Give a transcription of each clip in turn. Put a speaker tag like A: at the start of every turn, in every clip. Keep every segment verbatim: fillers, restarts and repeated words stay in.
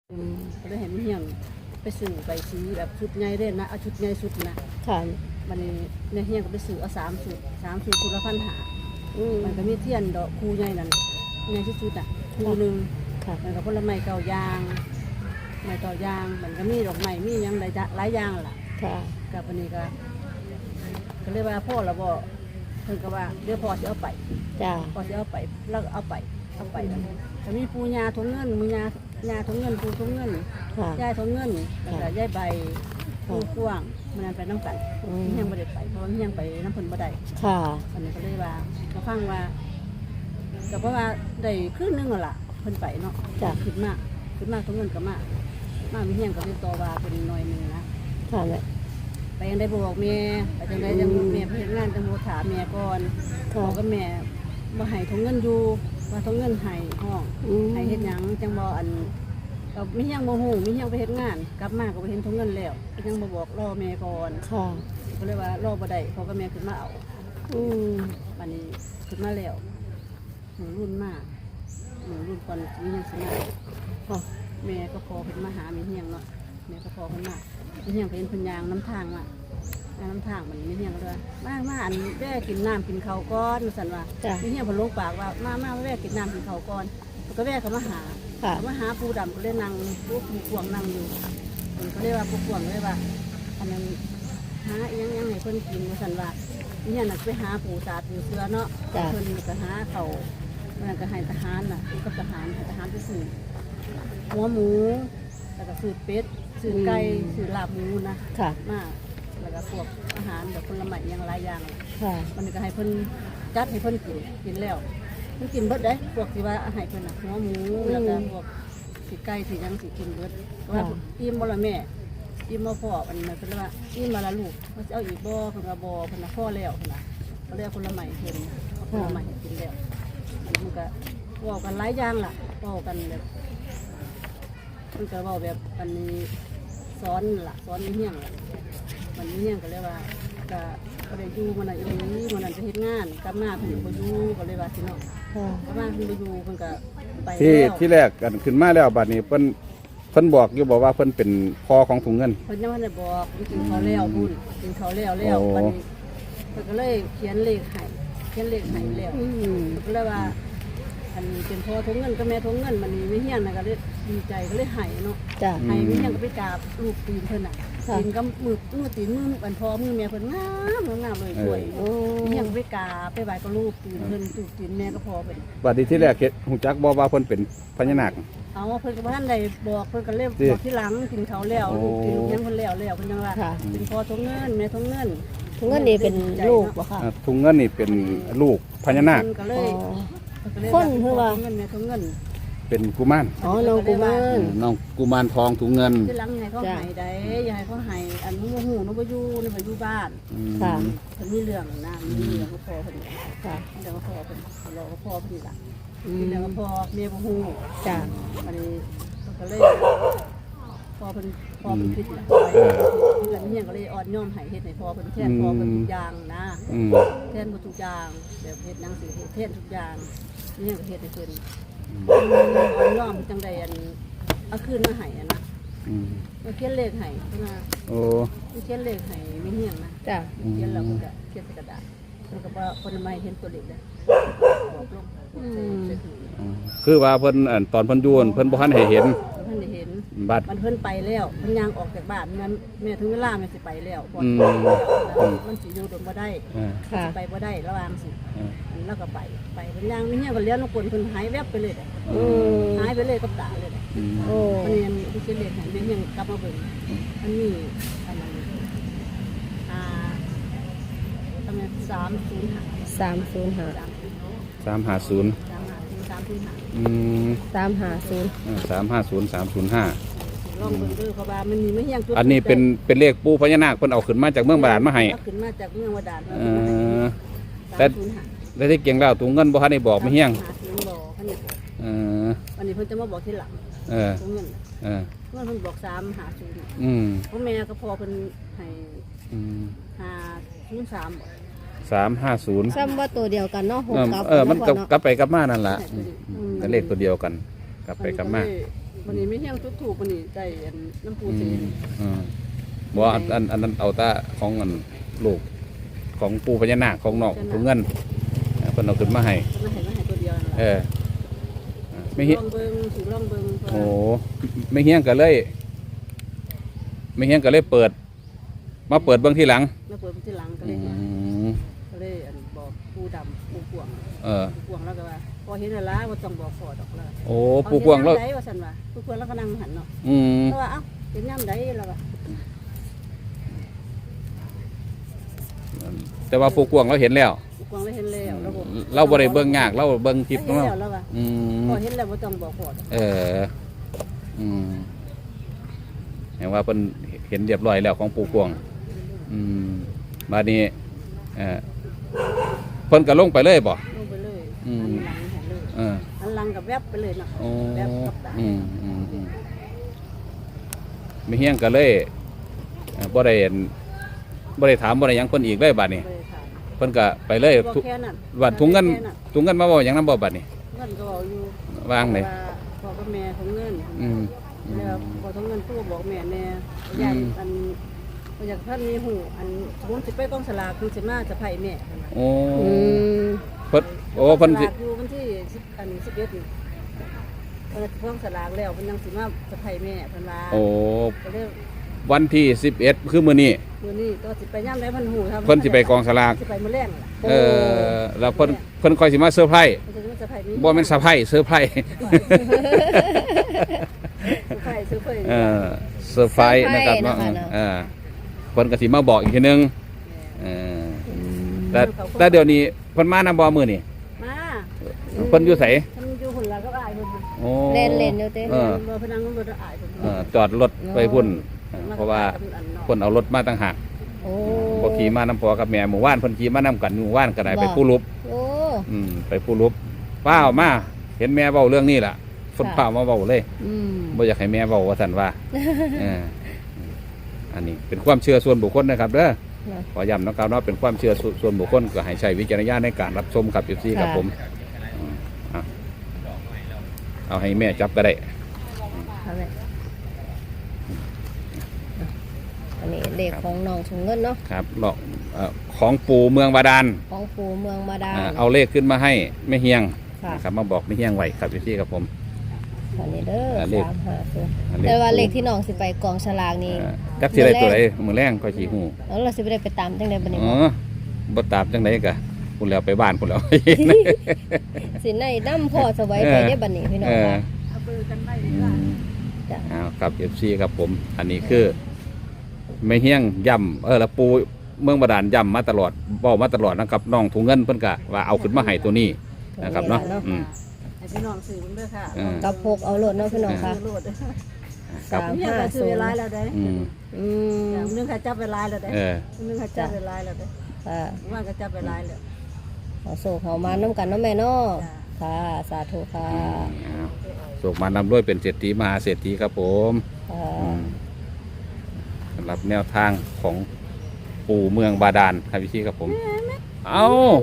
A: ก็เลยเห็นเฮียงไปสื่อใบสีแบบชุดใหญ่เด่นนะเอาชุดใหญ่สุดนะ
B: ค่ะ
A: มันนี่ในเฮียงก็ไปสื่อเอาสามชุดสามชุดชุดละพันหามันก็มีเทียนดอกคูใหญ่นั่นใหญ่ที่สุดอ่ะคูหนึ่งมันก็ผลไม้เก่ายางไม้เก่ายางมันก็มีดอกไม้มียังหลายหลายอย่างล่ะกับวันนี้ก็ก็เรียกว่าพ่อเราบอกเพิ่นก็ว่าเดี๋ยวพ่อจะเอาไปพ่อจะเอาไปแล้วเอาไปเอาไปถ้ามีปูยาทงเงินมือยายาทงเงินปูทงเงินยายทงเงินแล้วก็ยายใบปูกว้างมันนั่นไปน้ำกันเฮียงบ่ได้ไปเพราะเฮียงไปน้ำเพิ่นบ่ได้ค่ะอันนี้ก็เลยว่ามาฟังว่าแต่เพราะว่าได้ครึ่งนึงล่ะเพิ่นไปเนาะจ้ะขึ้นมากขึ้นมากทงเงินก็มากมากมีเฮียงก็ติดต่อว่าเป็นหน่อยนึงนะค่ะแหละไปยังได้บอกแม่ไปจังไดจังแม่ไปเฮ็ดงานจังโมถามแม่ก่อนบอกกับแม่บ่ให้ทงเงินอยู่ว่าทงเงินให้ห้องให้เฮ็ดหยังจังบ่อันก็มีเฮียงบ่ฮู้มีเฮียงไปเฮ็ดงานกลับมาก็ไปเห็นทงเงินแล้วยังบ่บอกรอแม่ก่อนค่ะก็เลยว่ารอบ่ได้เพราะก็แม่ขึ้นมาเอาอืมบัดนี้ขึ้นมาแล้วหนูรุ่นมากหนูรุ่นก่อนมีเฮียงสิมาค่ะแม่ก็พอขึ้นมาหามีเฮียงเนาะแม่ก็พอขึ้นมามีเฮียงเป็นเพิ่นยางน้ำทางมาน้ำทางมันมีเฮียงเลยมามาอันแว่กินน้ำกินข้าวก่อนสั่นว่ามีเฮียงพอลงปากว่ามามาแว่กินน้ำกินข้าวก่อนก็แว่เขามาหาเขามาหาปูดำก็เลยนั่งปูปูกวงนั่งอยู่คนก็เลยว่าปูกวงเลยว่าอันนั้นหายังยังให้เพิ่นกินสั่นว่ามีเฮียงน่ะไปหาปูสาดปูเสือเนาะเพิ่นก็หาเขามันก็ให้ทหารน่ะกับทหารทหารไปซื้อหัวหมูแล้วก็ซื้อเป็ดซื้อไก่ซื้อลาบหมูนะมาแล้วก็พวกอาหารแบบผลไม้อย่างหลายอย่างมันก็ให้เพิ่นจัดให้เพิ่นกินกินแล้วเพิ่นกินเบิดได้พวกที่ว่าให้เพิ่นน่ะหัวหมูแล้วก็พวกสิไก่สิยังสิกินเบิดว่าอิ่มบ่ล่ะแม่อิ่มบ่พออันนั้นเพิ่นว่าอิ่มบ่ล่ะลูกเพิ่นสิเอาอีกบ่เพิ่นว่าบ่เพิ่นน่ะพอแล้วเพิ่นน่ะก็เลยเอาผลไม้เพิ่นเอาผลไม้ให้กินแล้วมันก็เว้ากันหลายอย่างล่ะเว้ากันแบบมันก็เว้าแบบอันนี้สอนล่ะสอนมีเฮียงล่ะมันมีเฮียงก็เลยว่าก็ก็ได้อยู่มันน่ะอีหลีมันนั่นไปเฮ็ดงานกลับมาเพิ่นบ่อยู่ก็เลยว่าสิเนาะกลับมาเพิ่นบ่อยู่เพิ่นก็ไปแล้ว
C: ที่ที่แรกกันขึ้นมาแล้วบัดนี้เพิ่นเพิ่นบอกอยู่บอกว่าเพิ่นเป็นพ่อของถุงเงิน
A: เพิ่นยังบ่ได้บอกเพิ่นกินข้าวแล้วพุ่นกินข้าวแล้วแล้วบัดนี้เพิ่นก็เลยเขียนเลขให้เขียนเลขให้แล้วก็เลยว่าอันเป็นพ่อถุงเงินกับแม่ถุงเงินมันมีเฮียงน่ะก็เลยดีใจก็เลยให้เนาะให้มีเฮียงก็ไปกราบลูกตีนเพิ่นน่ะตีนกับมือมือตีนมืออันพ่อมือแม่เพิ่นงามงามเลยสวยมีเฮียงไปกราบไปไหว้กับลูกตีนเพิ่นลูกตีนแม่ก็พอเพิ่น
C: บัดนี้ที่แรกเฮ็ดฮู้จักบ่ว่าเพิ่นเป็นพญานาค
A: เอาเพิ่นก็บ่ทันได้บอกเพิ่นก็เลยบอกทีหลังกินข้าวแล้วลูกกินลูกยังเพิ่นแล้วแล้วเพิ่นยังว่าเป็นพ่อถุงเงินแม่ถุงเงิน
B: ถุงเงินนี่เป็นลูกบ่ค่ะ
C: ถุงเงินนี่เป็นลูกพญานาค
B: คนคือว่า
A: เงินแม่ถุงเงิน
C: เป็นกุมาร
B: อ๋อน้องกุมาร
C: น้องกุมารทองถุงเงิน
A: ที่หลังให้เขาให้ได้อย่าให้เขาให้อันนู้นหูนู้นบ่อยู่นี่บ่อยู่บ้านค่ะเพิ่นมีเรื่องนะมีเรื่องก็พอเพิ่นค่ะเดี๋ยวก็พอเพิ่นรอก็พอเพิ่นล่ะเดี๋ยวก็พอเมียบ่ฮู้จ้ะอันนี้ก็เลยพอเพิ่นพอเพิ่นคิดล่ะแล้วนี่ยังก็เลยอ่อนย่อมให้เฮ็ดให้พอเพิ่นแทนพอเพิ่นทุกอย่างนะแทนบ่ทุกอย่างแบบเฮ็ดหนังสือแทนทุกอย่างนี่ยังก็เฮ็ดให้เพิ่นอ่อนย่อมจังได๋อันเอาคืนมาให้อ่ะนะอืมเขียนเลขให้เพิ่นว่าโอ้เขียนเลขให้มีเฮียงนะจ้ะเขียนแล้วเพิ่นก็เขียนใส่กระดาษเพิ่นก็บ่เพิ่นไม่เห็นตัวเลขเลยบอกลง
C: คือว่าเพิ่นตอนเพิ่นอยู่เพิ่นบ่ทันให้เห็น
A: เพิ่นได้เห็น
C: บัด
A: มันเพิ่นไปแล้วเพิ่นย่างออกจากบ้านนั้นแม่ถึงเวลาแม่สิไปแล้วพอมันสิอยู่โดนบ่ได้ค่ะไปบ่ได้ระวังสิแล้วก็ไปไปเพิ่นย่างมีเฮียก็เลี้ยงลูกคนเพิ่นหายแวบไปเลยอือหายไปเลยกับตาเลยโอ้เพิ่นยังสิเรียกให้แม่ยังกลับมาเบิ่งอันนี้อันนั้นอ่าทำไมสามศูนย์ห้า
B: สามศูนย์ห้า
C: สามห้าศูนย์อืม
B: สามห้าศูนย์
C: สามห้าศูนย์สามศูนย์ห้า
A: ลองเบิ่งดูเขาว่ามันมีไม่เฮียง
C: อันนี้เป็นเป็นเลขปูพญานาคเพิ่นเอาขึ้นมาจากเมืองบาดาลมาให้
A: ขึ้นมาจากเมืองบาดาล
C: เออแต่ได้ที่เก่งแล้วถุงเงินบ่ทันได้บอกไม่เฮียงเออ
A: อันนี้เพิ่นจะมาบอกทีหลัง
C: เออถุงเงินเออ
A: เมื่อเพิ่นบอกสามห้าศูนย์
C: อืม
A: พ่อแม่ก็พอเพิ่นให้อืมห้าศูนย์สาม
C: สามห้าศูนย์
B: ซ้ำว่าตัวเดียวกันเนาะหกกับ
C: เออมันกลับไปกลับมานั่นแหละเลขตัวเดียวกันกลับไปกลับมา
A: วันนี้ไม่เฮี้ยงทุกถูกวันนี้ใจอันน้ำปู
C: อื
A: สี
C: มอืมบ่อันอันอันนั้นเอาตาของอันลูกของปู่พญานาคของนอกถุงเงินเออเพิ่นเอาขึ้นมาให้
A: มันมาให้มาให้ตัวเดียวนั่น
C: เอ
A: ล่ะ
C: อไม่เฮี้ย
A: ลองเบิ่งสูลองเบิ่ง
C: โอ้ไม่เฮี้ยงก็เลยไม่เฮี้ยงก็เลยเปิด มาเปิดเบื้องที่หลัง
A: แล้วเปิดที่หลังก็
C: อื
A: เลย
C: ม
A: ก็เลยอันบอกปูดำปูกวาง
C: เออ
A: ปูกวางแล้วก็ว่าพอเห็นแล้วล่ะว่าต้องบอกฟอดออกแล้ว
C: โอ้ปู่กวางแล้ว
A: เห็นยามใดว่าซั่นว่าปูกวางแล้วก็นั่งหันเนาะ
C: อืม
A: แล้วว่าเอ้าเห็นยามใดแล้วว่า
C: แต่ว่าปู่กวางเราเห็นแล้ว
A: ปูกวางเลยเห็นแล้วแล้วบอก
C: เราบ่ได้เบิ่งยากเราเบิ่งคลิป
A: เห็
C: ขอน งเรา
A: แล้วแล้วว่า
C: อืม
A: พอเห็นแล้วบ่ต้องบอกฟอด
C: เออ อืมเห็นว่าเพิ่นเห็นเรียบร้อยแล้วของปู่กวาง อืมบาดนี้เออเพิ่นก็ลงไปเลยบ่
A: ลงไปเลย
C: อืม
A: หันหลังเห็นเลย
C: เออ
A: หันหลังกับแวบไปเลยเนาะ
C: โอ้
A: แวบกับตา
C: อืมอืมอืมไม่เฮี้ยงก็เลยเอ่อบ่ได้เห็นบ่ได้ถามบ่ได้หยังเพิ่นอีกเลยบัดนี้
A: เลยค่ะ
C: เพิ่นก็ไปเลย
A: บอก
C: ทุก
A: แค่นั้น
C: บัดถุงเงิน
A: แค่
C: ถุงเงินมาเว้าหยังนำบ่บัดนี้
A: เงินก็บอกอยู่
C: วางเลย
A: ว่าพ่อกับแม่ของเงิน
C: อืมอืม
A: แล้วพอของเงินตู้บอกแม่แน่
C: อืม
A: อยากอันอยากท่านมีหูอันสมมุติสิไปกองสลากคือสิมาจะไผแม่เพิ่นว่า
C: โอ้
B: อืม
C: เพิ่นโอ้เพิ่น
A: ส
C: สิ
A: ลากอยู่วันที่สิบอันสิบเอ็ดนี่เพิ่นกองสลากแล้วเพิ่นยังสิมาจะไผแม่เพิ่นว่า
C: โอ้
A: ก็เลย
C: วันที่สิบเอ็ดคือมื้อนี้
A: มื้อนี้ก็สิไปย่ํใดเพิ่นหูครับ
C: เพิ่นสิไปกองสลาก
A: สิไปมื้อแรงล่ะ
C: เออแล้วเพิ่นเพิ่นค่อยสิมาเซอร์ไพรส์
A: เพิ่นจะมาจะไผมี
C: บ่แม่นเซอร์ไพรส์เซอร์ไพรส์
A: ซื้อไผซื้อไผ
C: เออเซอร์ไพรส์นะครับเนาะเออเพิ่นก็สิมาบอกอีกทีนึงเออแต่แต่เดี๋ยวนี้เพิ่นมานำบ่มื้อนี่
A: มา
C: เพิ่นอยู่ไส
A: เพิ่นอยู่หุ่นละก็อายเพิ่น
C: โอ้
B: เล่นเล่นอยู่เต้
C: เออ
A: เบอร์พนังรถอายเพิ่น
C: เออจอดรถไปพุ่นเออเพราะว่าเพิ่นเอารถมาต่างหาก
B: โอ้
C: บ่ขี่มานำพ่อกับแม่หมู่บ้านเพิ่นขี่มานำกันหมู่บ้านก็ได้ไปผู้ลุบ
B: โอ้
C: อืมไปผู้ลุบป้าวมาเห็นแม่เว้าเรื่องนี้ล่ะเพิ่น
B: ค่ะ
C: ป้าวมาเว้าเลย
B: อืม
C: บ่อยากให้แม่เว้าว่าซั่นว่าเอออันนี้เป็นความเชื่อส่วนบุคคลนะครับเด้อ
B: นะ
C: ขอย้ำนะครับว่าเป็นความเชื่อส่วนบุคคลก็ให้ใช้วิจารณญาณในการรับชมกับ เอฟ ซี ครับผมอืมอ่ะเอาให้แม่จับก็ได้
B: เอาเลยอันนี้เลขของน้องถุงเงินเนาะ
C: ครับหลอกเอ่อของปู่เมืองบาดาล
B: ของปู่เมืองบาดาล
C: อ่าเอาเลขขึ้นมาให้แม่เฮียง
B: ค่ะ
C: นะครับมาบอกแม่เฮียงไว้ครับ เอฟ ซี ครับผม
B: อันนี้เด้อ
C: อ่าเลข
B: สามห้าศูนย์
C: อัน
B: แต่ว่าเลขที่น้องสิไปกองฉลากนี่
C: เอ่อจักสิได้ตัวใดมือแรงก็สิฮู้
B: แล้วเราสิไปได้ไปตามจังไดบัดนี้
C: อ๋
B: บ่
C: อบ่ตามจังไดกะคุณแล้วไปบ้านคุณแล้ว
B: สิในน้ำพ่อสวัยไปได้บัดนี้พี่น้อง
C: เออ
B: ค่ะ
A: เอาเบอร์กันไว้ดี
C: อื
A: กว่าม
B: จ้ะ
C: เอาครับ เอฟ ซี ครับผม อันนี้คือไม่เฮี้ยงย่ำเออแล้วปูเมืองบาดาลย่ำมาตลอดบอกมาตลอดนะครับน้องถุงเงินเพิ่นกะว่าเอาขึ้นมาให้ตัวนี้นะครับเนาะอืม
A: ให้พี่น้องซื้อมันเด้อค่ะ
C: เออ
B: กับพกเอาโลดเนาะพี่น้องค่ะ
A: ซื้อโลดเด้อ
C: ครับ
B: สาม
A: เนี่ยก็ซื้อเวลาแล้วเด้อ
C: อืม
B: อืม
A: อย่างนึงค่ะจับเวลาแล้วเด้อ
C: เออ
A: นึงค่ะจับเวลาแล้วเด้อ
B: ค่ะ
A: ว่าก็จับเวลาแล้ว
B: ขอโศกเขามาน้ำกันเนาะแม่เนาะค่ะสาธุค่ะ
C: เอาส่งมานำด้วยเป็นเศรษฐีมหาเศรษฐีครับผม
B: ค่ะ
C: อืมสำหรับแนวทางของปู่เมืองบาดาลครับพี่ครับผม เอา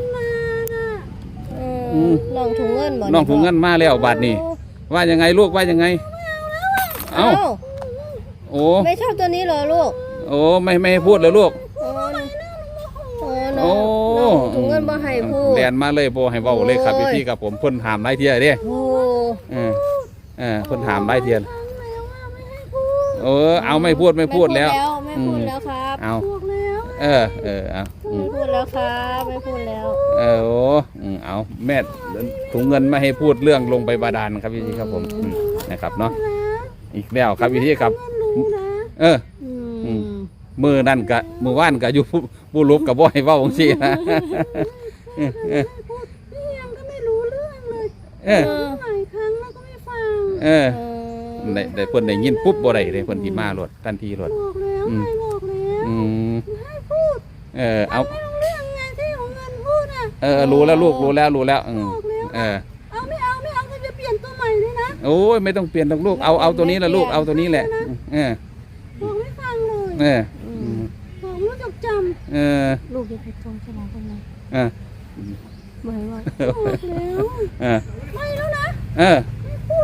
B: อืมน้องถุงเงินบ่
C: น้องถุงเงินมาแล้วบาดนี้ ว่ายังไงลูกว่ายังไง
B: เอ้า
C: เอาโอ้
B: ไม่ชอบตัวนี้เหรอลูก
C: โอ้ไม่ไม่ให้พูดเลยลูก
B: โอ้โอ้น้
C: โอ้
B: องน้องถุงเงินบ่ให้พูด
C: แดนมาเลยโบให้เว้าเลยครับ
B: โอ้
C: พี่
B: ย
C: พี่กับผมเพิ่นถามหลายเที่ยเด้
B: โอ้
C: เออเออเพิ่นถามหลายเที่ยเออเอาไม่พูดไม่พูดแล้ว
B: ไม่พูดแล้วครับ
C: เอา
A: บอกแล้ว
C: เออเออเอาอื
B: ไม่
C: ม
B: พูดแล้วครับไม่พูดแล้ว
C: เออโอ้อืมเอาแม่ถุงเงินไม่ให้พูดเรื่องลงไปบาดาลครับพี่พี่ครับผมอืมนะครับเนาะอีกแล้วครับพี่พี่ครับ
A: รู้นะ
C: เออ
B: อืม
C: มือนั่นกะมือว่านกะอยู่ผู้ผู้ลุกกับบ่ให้เว้าจังซี่นะเออเออ
A: พี่ยังก็ไม่รู้เรื่องเลย
C: เออ
A: หลายครั้งแล้วก็ไม่ฟัง
C: เออได้ได้เพิ่นได้ยินปุ๊บบ่ได้เลยเพิ่นสิมาโลดทันทีโลด
A: บอกแล้ว
C: อืม
A: ไม่บอกแล้ว
C: อืม
A: ให้พูด
C: เออเอา
A: ไม่รู้เรื่องไงที่ของเงินพูดอ่ะ
C: เออรู้แล้วลูกรู้แล้วรู้แล้วอืมเออ
A: เอาไม่เอาไม่เอาจะเปลี่ยนตัวใหม่เลยนะ
C: โอ้ยไม่ต้องเปลี่ยนหรอกลูกเอาเอาตัวนี้ละลูกเอาตัวนี้แหละเออ
A: บอกไม่ฟังเลย
C: เออ
A: บอกไม่รู้จักจ
C: เออ
B: ลูกจะไปกองฉลากทำไม
C: เออ
B: ไม่ว่า
A: ำบอกแล้ว
C: เออ
A: ไม่แล้วนะ
C: เออ
A: ไม่พูดแล้วแล้ว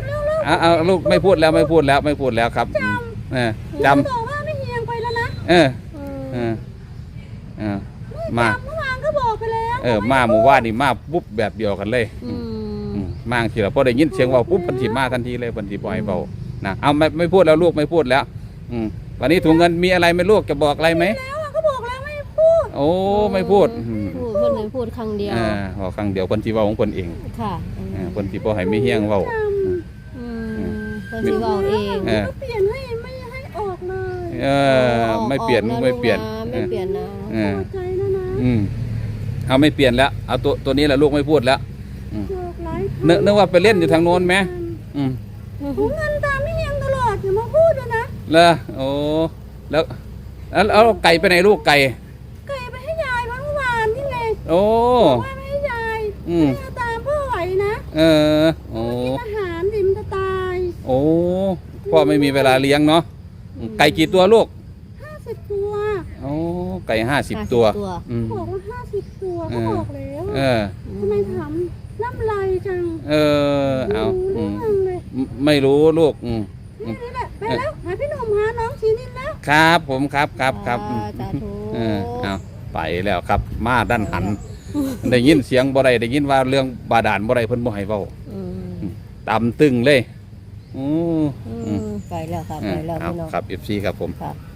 C: เอาเอาลูกไม่พูดแล้วไม่พูดแล้วไม่พูดแล้วครับเออจ
A: บอกว่าไม่เฮียงไปแล้วนะ
C: ำเออเออเออมา
A: เมื่อวานก็บอกไปแล้ว
C: เออมาหมู่ว่านนี่มาปุ๊บแบบเดียวกันเลย
B: อืม
C: อืมมาทีละพอได้ยินเสียงเว่าปุ๊บเพันธิมาทันทีเลยเพันธิบอยเบานะเอาไม่ไม่พูดแล้วลูกไม่พูดแล้วอืมวันนี้ถุงเงินมีอะไรไหมลูกจะบอกอะไรไหม
A: แล้วอะก็บอกแล้วไม่พูด
C: โอ้ไม่พูดอืม
B: พูดเพิ่นเลยพูดครั้งเดียว
C: อ่าพอครั้งเดียวคนที่เว่าของคนเอง
B: ค่ะ
C: อ่าคนที่บ่ให้ไม่เฮี้ยงเว่า
B: อืมเพิ่นสิเว้าเอง
C: เออ
A: ก็เปลี่ยนให้ไม่ให้ออกเลย
C: เออไม่เปลี่ยน
B: ออก
C: ไม่เปลี่ยน
B: ไม่เปลี่ยนนะ
C: เออ
A: พอใจแล้วนะ
C: อืมเอาไม่เปลี่ยนแล้วเอาตัวตัวนี้แหละลูกไม่พูดแล้วอืม
A: บอกหลายค
C: นึกนึกว่าไปเล่นอยู่ทางโน้นไหมอืม
A: ถุงเงินตามไม่เฮียงตลอดอย่ามาพูดเลยนะ
C: แล้วโอ้แล้วแล้วเอาไก่ไปไหนลูกไก่
A: ไก่ไปให้ยายวันเมื่อวานนี่ไง
C: โอ้
A: บอกว่าไม่ให้ยาย
C: อืม
A: ไม่เอาตามพ่อไหวนะ
C: เออโอ้
A: กินอาหารดิมนจะตาย
C: โอ้พ่อไม่มีเวลาเลี้ยงเนาะไก่กี่ตัวลูก
A: ห้าสิบตัว
C: โอ้ไก่ห้าสิบตัวอืม
A: บอกว่าห้าสิบตัว
C: เอ
A: ก็
C: อ
A: บอกแล้ว
C: เออ
A: ทำไมถามน้ำลายจัง
C: เออเอา
A: ไม่
C: อื
A: รู้
C: ม
A: เรื่องเลย
C: ไม่รู้ลูกอืม
A: นี่แหละไปแล้วหาพี่หนุ่มหาน้องชีนินแล้ว
C: ครับผมครับครับครับอืม
B: สาธุ
C: เออเอาไปแล้วครับ มาด้านหัน ได้ยินเสียงบ่ได้ได้ยินว่าเรื่องบาดาลบ่ได้เพิ่นบ่ให้เว้า
B: อืม
C: ตำตึงเลยอู้
B: อืมไปแล้วค่ะ
C: เอ
B: ไป
C: อ
B: แล้ว
C: เอา
B: พี่น้อง
C: ครับ เอฟ ซี ครับผม
B: ค่ะ